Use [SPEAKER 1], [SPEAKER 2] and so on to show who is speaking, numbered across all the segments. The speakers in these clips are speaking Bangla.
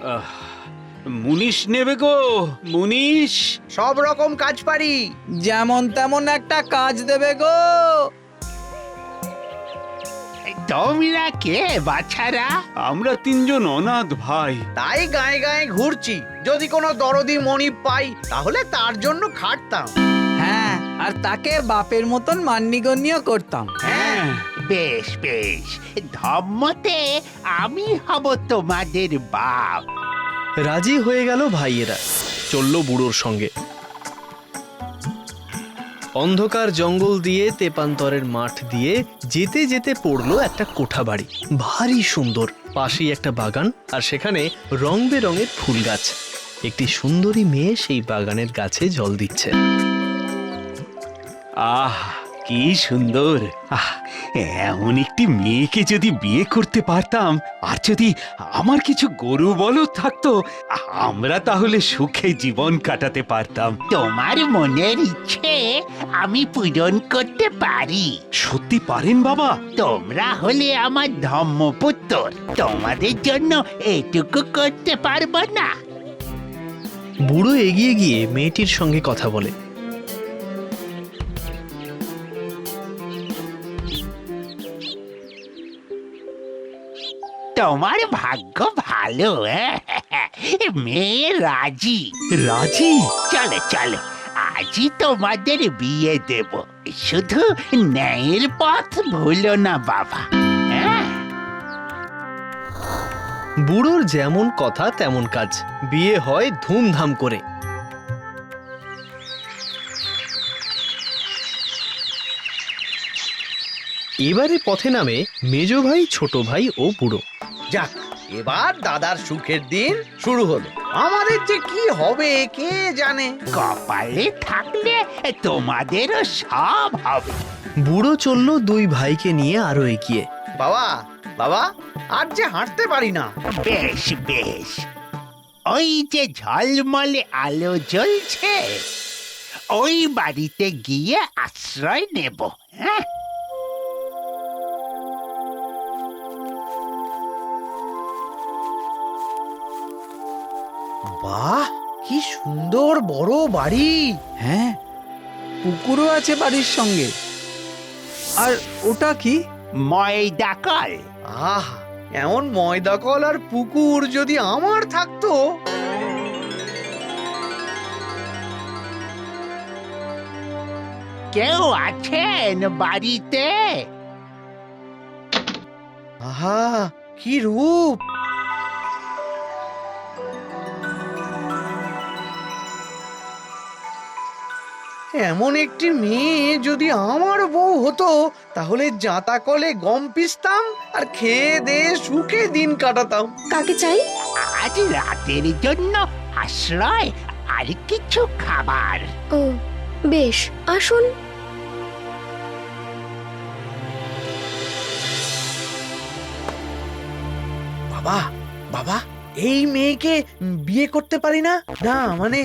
[SPEAKER 1] মুনিশ নেবে গো, মুনিশ।
[SPEAKER 2] সব রকম কাজ পারি।
[SPEAKER 3] যেমন তেমন একটা কাজ দেবে গো।
[SPEAKER 4] তোমরা কে বাছারা?
[SPEAKER 1] আমরা তিনজন অনাথ ভাই।
[SPEAKER 2] তাই গায়ে গায়ে ঘুরছি, যদি কোনো দরদি মণি পাই তাহলে তার জন্য খাটতাম।
[SPEAKER 3] হ্যাঁ, আর তাকে বাপের মতন মান্যিগণ্য করতাম।
[SPEAKER 1] হ্যাঁ,
[SPEAKER 4] বেশ বেশ, ধর্মতে আমি হব তোমাদের বাপ।
[SPEAKER 5] রাজি হয়ে গেল ভাইয়েরা, চলল বুড়োর সঙ্গে। অন্ধকার জঙ্গল দিয়ে তেপান্তরের মাঠ দিয়ে যেতে যেতে পড়লো একটা কোঠা বাড়ি, ভারী সুন্দর। পাশেই একটা বাগান, আর সেখানে রং বেরঙের ফুল গাছ। একটি সুন্দরী মেয়ে সেই বাগানের গাছে জল দিচ্ছে।
[SPEAKER 1] আহ কি সুন্দর! এমন একটি মেয়েকে যদি বিয়ে করতে পারতাম, আর যদি আমার কিছু গরু বলদ থাকতো, আমরা তাহলে সুখে জীবন কাটাতে পারতাম।
[SPEAKER 4] তোমার মনের ইচ্ছে আমি পূরণ করতে পারি।
[SPEAKER 1] সত্যি পারেন বাবা?
[SPEAKER 4] তোমরা হলে আমার ধর্মপুত্র, তোমাদের জন্য এটুকু করতে পারবো না?
[SPEAKER 5] বুড়ো এগিয়ে গিয়ে মেয়েটির সঙ্গে কথা বলে।
[SPEAKER 4] তোমার ভাগ্য ভালো, মেয়ে রাজি।
[SPEAKER 1] রাজি?
[SPEAKER 4] চলো চলো, আজই তোমাদের বিয়ে দেব। শুধু ন্যায়ের পথ ভুলো না বাবা।
[SPEAKER 5] বুড়োর যেমন কথা তেমন কাজ, বিয়ে হয় ধুমধাম করে। এবারে পথে নামে মেজ ভাই, ছোট ভাই ও বুড়ো।
[SPEAKER 2] যাক, এবার দাদার সুখের দিন শুরু হলো। আমাদের যে কি হবে কে জানে।
[SPEAKER 4] কপালে থাকলে তোমাদেরও সব হবে।
[SPEAKER 5] বুড়ো চলল দুই ভাইকে নিয়ে আরো এগিয়ে।
[SPEAKER 2] বাবা, বাবা, আজ যে হাঁটতে পারি না।
[SPEAKER 4] বেশ বেশ, ওই যে ঝলমলে আলো জ্বলছে, ওই বাড়িতে গিয়ে আশ্রয় নেব। হ্যাঁ,
[SPEAKER 2] বাহ, কি সুন্দর বড় বাড়ি।
[SPEAKER 3] হ্যাঁ, পুকুরও আছে বাড়ির সঙ্গে। আর ওটা কি?
[SPEAKER 4] ময়দা কল।
[SPEAKER 2] আহ, এমন ময়দা কল আর পুকুর যদি আমার থাকতো।
[SPEAKER 4] কেউ আছেন বাড়িতে?
[SPEAKER 2] আহা, কি রূপ! এমন একটি মেয়ে যদি আমার বউ হতো, তাহলে জাঁতা কলে গম পিসতাম আর খেয়ে দিয়ে সুখে দিন কাটাতাম।
[SPEAKER 6] কাকে চাই?
[SPEAKER 4] আজ রাতের জন্য আশ্রয় আর কিছু খাবার।
[SPEAKER 6] ও বেশ, আসুন।
[SPEAKER 2] বাবা, বাবা, এই মেয়েকে বিয়ে করতে পারি না? না মানে,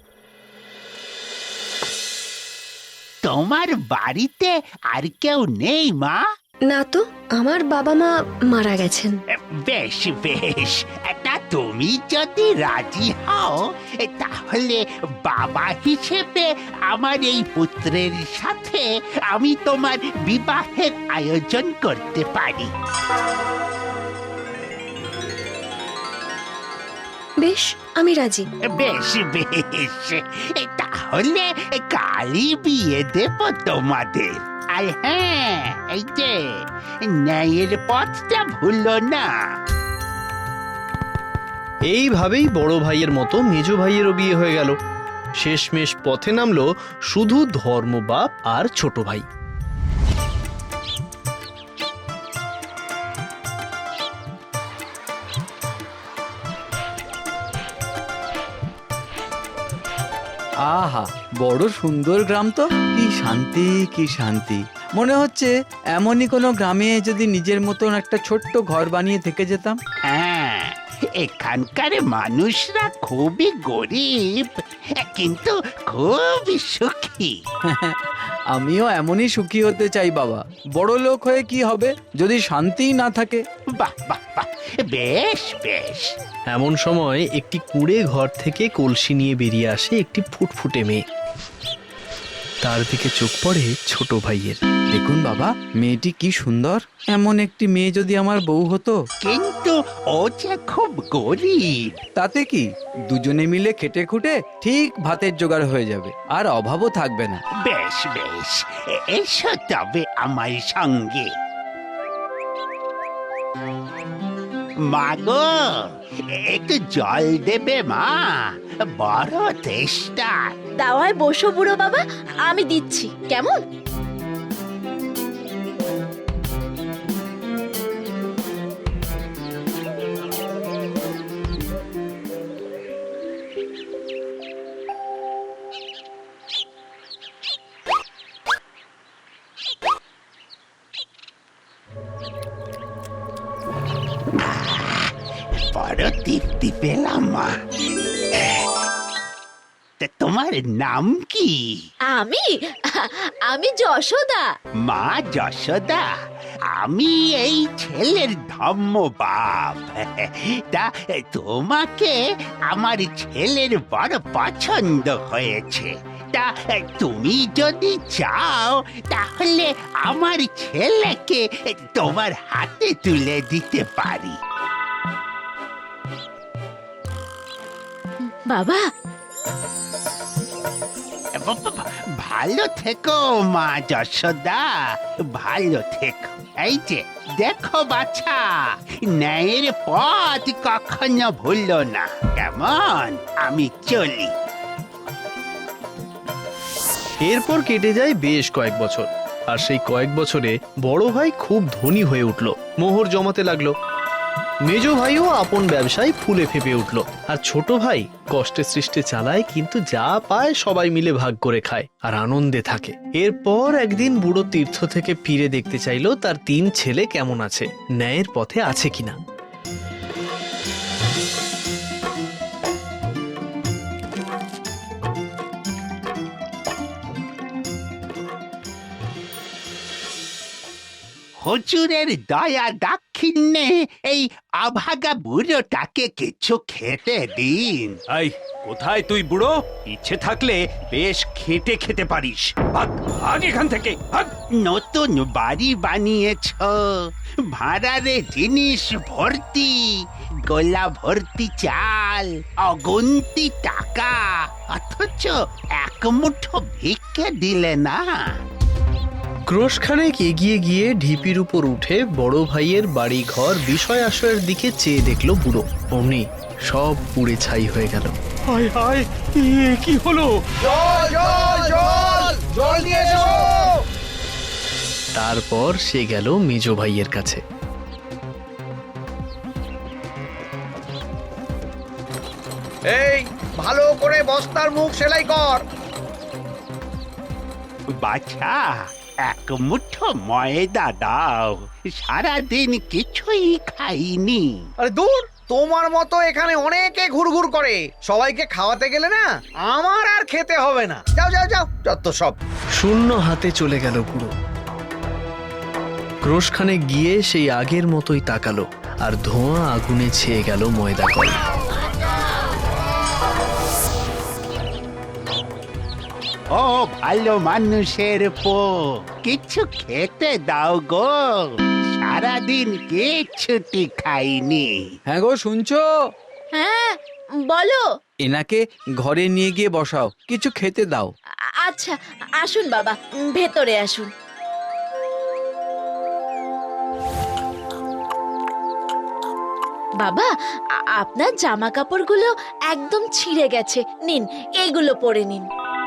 [SPEAKER 4] তোমার বাড়িতে আর কেউ নেই মা?
[SPEAKER 6] না তো, আমার বাবা মা মারা গেছেন।
[SPEAKER 4] বেশ বেশ, তা তুমি যদি রাজি হও, তাহলে বাবা হিসেবে আমার এই পুত্রের সাথে আমি তোমার বিবাহের আয়োজন করতে পারি।
[SPEAKER 6] বেশ, আমি রাজি।
[SPEAKER 4] বেশ বেশ, তাহলে কালই বিয়ে দেব তোমাদের। আর হ্যাঁ, এই যে ন্যায়ের পথটা ভুলো না।
[SPEAKER 5] এইভাবেই বড় ভাইয়ের মতো মেজ ভাইয়েরও বিয়ে হয়ে গেল। শেষমেশ পথে নামলো শুধু ধর্মবাপ আর ছোট ভাই।
[SPEAKER 3] আহা, বড় সুন্দর গ্রাম তো। কি শান্তি, কি শান্তি! মনে হচ্ছে এমনই কোনো গ্রামে যদি নিজের মতন একটা ছোট্ট ঘর বানিয়ে থেকে যেতাম।
[SPEAKER 4] হ্যাঁ, এখানকার মানুষরা খুবই গরিব, কিন্তু খুবই সুখী।
[SPEAKER 3] আমিও এমনই সুখী হতে চাই বাবা। বড় লোক হয়ে কি হবে যদি শান্তিই না থাকে?
[SPEAKER 4] বাহ বাহ বাহ, বেশ বেশ।
[SPEAKER 5] এমন সময় একটি কুঁড়ে ঘর থেকে কলসি নিয়ে বেরিয়ে আসে একটি ফুটফুটে মেয়ে। তার দিকে চোখ পড়ে ছোট ভাইয়ের।
[SPEAKER 3] দেখুন বাবা, মেয়েটি কি সুন্দর। এমন একটি মেয়ে যদি আমার বউ হতো।
[SPEAKER 4] কিন্তু ও যে খুব গরিব।
[SPEAKER 3] তাতে কি, দুজনে মিলে খেটে খুঁটে ঠিক ভাতের জোগাড় হয়ে যাবে, আর অভাবও থাকবে না।
[SPEAKER 4] বেশ বেশ, এসো তবে আমার সঙ্গে। মা গো, একটু জল দেবে মা, বড় তেষ্টা।
[SPEAKER 7] দাওয়ায় বসো বুড়ো বাবা, আমি দিচ্ছি, কেমন?
[SPEAKER 4] বড় তৃপ্তি পেলাম মা। তা তোমার নাম কি?
[SPEAKER 7] আমি আমি যশোদা।
[SPEAKER 4] মা যশোদা, আমি এই ছেলের ধম্ম বাপ। তা তোমাকে আমার ছেলের বড় পছন্দ হয়েছে। তা তুমি যদি চাও তাহলে আমার ছেলেকে তোমার হাতে তুলে দিতে পারি।
[SPEAKER 7] বাবা,
[SPEAKER 4] ভালো থেকো মা যশোদা, ভালো থেকো। এই যে দেখো বাছা, ন্যায়ের পথ কখনো ভুলো না, কেমন? আমি চলি।
[SPEAKER 5] এরপর কেটে যায় বেশ কয়েক বছর। আর সেই কয়েক বছরে বড় ভাই খুব ধনী হয়ে উঠল, মোহর জমাতে লাগলো। মেজ ভাইও আপন ব্যবসায় ফুলে ফেপে উঠল। আর ছোট ভাই কষ্টে সৃষ্টে চালায়, কিন্তু যা পায় সবাই মিলে ভাগ করে খায় আর আনন্দে থাকে। এরপর একদিন বুড়ো তীর্থ থেকে ফিরে দেখতে চাইলো তার 3 ছেলে কেমন আছে, ন্যায়ের পথে আছে কিনা।
[SPEAKER 4] হুজুরের দয়া দাক্ষিণ্যে এই অভাগা বুড়োটাকে কিছু খেতে দিন।
[SPEAKER 1] এই, কোথায় তুই বুড়ো? ইচ্ছে থাকলে বেশ খেটে খেতে পারিস। ভাগ, ভাগ এখান থেকে, ভাগ।
[SPEAKER 4] নতুন বাড়ি বানিয়েছ, ভাড়ারে জিনিস ভর্তি, গোলা ভর্তি চাল, অগুন্তি টাকা, অথচ এক মুঠো ভিক্ষে দিলে না।
[SPEAKER 5] ক্রোশখানেক এগিয়ে গিয়ে ঢিপির উপর উঠে বড় ভাইয়ের বাড়ি ঘর বিষয় আশয়ের দিকে চেয়ে দেখলো বুড়ো। অমনি সব পুড়ে ছাই হয়ে গেল।
[SPEAKER 1] হায় হায়, কি হলো?
[SPEAKER 2] জল জল জল জল নিয়ে এসো।
[SPEAKER 5] তারপর সে গেল মেজ ভাইয়ের কাছে।
[SPEAKER 2] এই, ভালো করে বস্তার মুখ সেলাই কর।
[SPEAKER 4] বাছা, এক মুঠো ময়দা দাও, সারাদিন কিছুই খাইনি।
[SPEAKER 2] আরে দূর, তোমার মতো এখানে অনেকে ঘুরঘুর করে, সবাইকে খাওয়াতে গেলে না আমার আর খেতে হবে না। যাও যাও যাও, যত সব।
[SPEAKER 5] শূন্য হাতে চলে গেল বুড়ো। ক্রোশখানে গিয়ে সেই আগের মতোই তাকালো, আর ধোঁয়া আগুনে ছেয়ে গেল ময়দা কল।
[SPEAKER 4] ও ভালো মানুষের পো, কিছু খেতে দাও গো, সারাদিন কিচ্ছুটি খাইনি।
[SPEAKER 3] হ্যাঁ গো, শুনছো?
[SPEAKER 7] হ্যাঁ বলো।
[SPEAKER 3] এনাকে ঘরে নিয়ে গিয়ে বসাও, কিছু খেতে দাও।
[SPEAKER 7] আচ্ছা, আসুন বাবা, ভেতরে আসুন। বাবা, আপনার জামা কাপড়গুলো একদম ছিঁড়ে গেছে, নিন এইগুলো পরে নিন।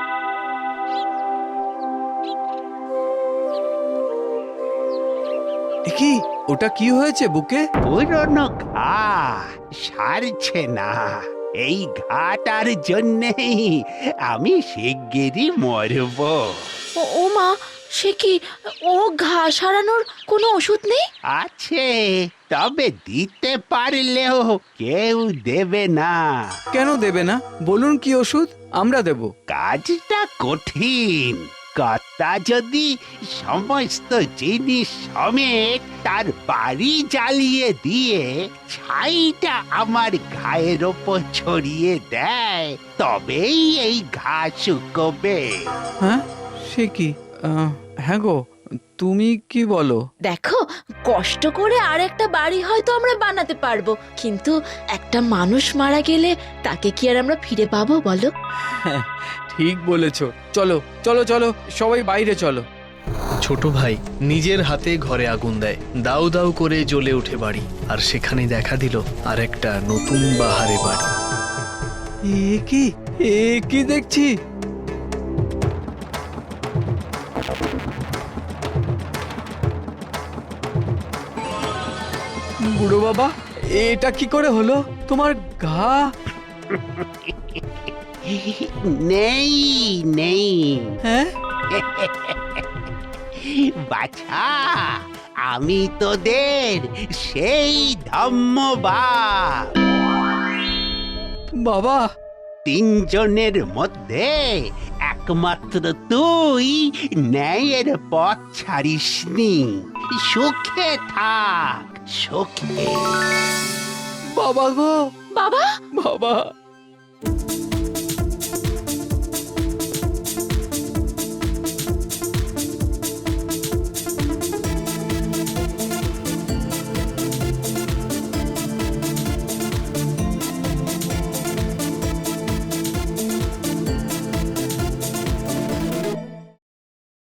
[SPEAKER 3] কি, ওটা কি হয়েছে বুকে?
[SPEAKER 4] পুরনো ঘা সারছে না, এই ঘাটার জন্যেই আমি শিগগিরই মরব।
[SPEAKER 7] ও মা, সে কি, ও ঘা সারানোর কোনো ওষুধ নেই?
[SPEAKER 4] আছে, তবে দিতে পারলেও কেউ দেবে না।
[SPEAKER 3] কেন দেবে না? বলুন কি ওষুধ, আমরা দেব।
[SPEAKER 4] কাজটা কঠিন, কর্তা যদি সমস্ত জিনিস সমেত তার বাড়ি জ্বালিয়ে দিয়ে ছাইটা আমার ঘায়ের ওপর ছড়িয়ে দেয়, তবেই এই ঘা শুকোবে।
[SPEAKER 3] হ্যাঁ সে কি হ্যাঁ গো, তুমি কি বলো?
[SPEAKER 7] দেখো, কষ্ট করে আর একটা বাড়ি হয়তো আমরা বানাতে পারবো, কিন্তু একটা মানুষ মারা গেলে তাকে কি আর আমরা ফিরে পাবো বলো?
[SPEAKER 3] ঠিক বলেছো, চলো চলো চলো সবাই বাইরে চলো।
[SPEAKER 5] ছোট ভাই নিজের হাতে ঘরে আগুন দেয়, দাউ দাউ করে জ্বলে ওঠে বাড়ি, আর সেখানে দেখা দিল আর একটা নতুন বাহারে বাড়ি।
[SPEAKER 3] এ কি দেখছি? বুড়ো বাবা, এটা কি করে হলো? তোমার ঘা?
[SPEAKER 4] নেই নেই
[SPEAKER 3] হ্যাঁ
[SPEAKER 4] বাছা, আমি তোদের সেই ধম্মবাদ।
[SPEAKER 3] বাবা,
[SPEAKER 4] তিনজনের মধ্যে একমাত্র তুই ন্যায়ের পথ ছাড়িসনি। সুখে থাক, সুখে।
[SPEAKER 3] বাবা গো,
[SPEAKER 7] বাবা,
[SPEAKER 3] বাবা।